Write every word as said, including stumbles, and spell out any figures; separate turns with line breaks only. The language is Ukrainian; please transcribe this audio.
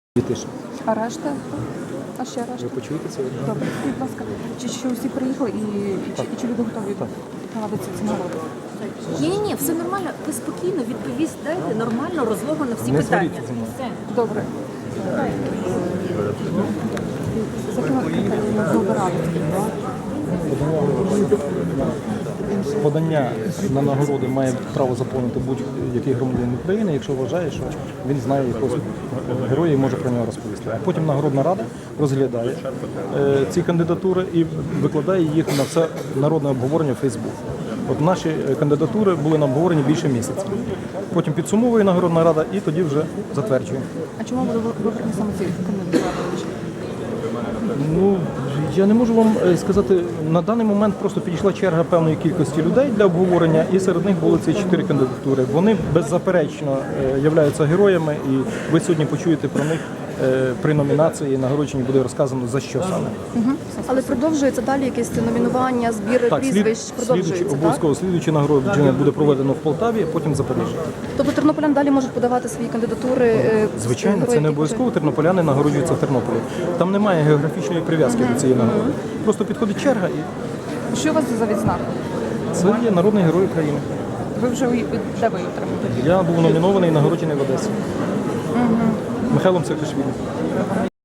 Тише.
А решта? А ще решта?
Ви почуєте це?
Добре, скажіть, будь ласка, чи, чи усі приїхали і, і, чи, і чи люди готові проводити ці нагороди?
Ні, ні, ні, все нормально. Ви спокійно відповість дайте, нормально, розлого на всі
Не
питання.
сваріться зі мною.
Все.
Добре. За якими критеріями вибирали?
Подання на нагороди має право заповнити будь-який громадянин України, якщо вважає, що він знає якогось героя і може про нього розповісти. А потім нагородна рада розглядає е, ці кандидатури і викладає їх на все народне обговорення в Фейсбук. От наші кандидатури були на обговоренні більше місяця. Потім підсумовує нагородна рада і тоді вже затверджує.
А чому були вибрані саме ці кандидатури?
Ну, я не можу вам е, сказати, на даний момент просто підійшла черга певної кількості людей для обговорення, і серед них були ці чотири кандидатури. Вони беззаперечно е, являються героями, і ви сьогодні почуєте про них е, при номінації, нагородженні буде розказано за що саме.
Угу. Але продовжується далі якесь номінування, збір
Так, слід,
прізвищ,
слідуючи,
продовжується, так?
обов'язково слідуюче нагородження буде проведено в Полтаві, а потім в Запоріжжі.
Тобто тернополян далі можуть подавати свої кандидатури? е,
Звичайно,
героїв,
це не
які
обов'язково, тернополяни нагороджуються в Тернополі. Там немає географічної прив'язки до цієї нагороди. Просто підходить черга і
Що у вас за відзнака?
це є народний герой України.
Ви вже у- де ви її отримали?
Я був номінований і нагороджений в Одесі. Михайлом Саакашвілі.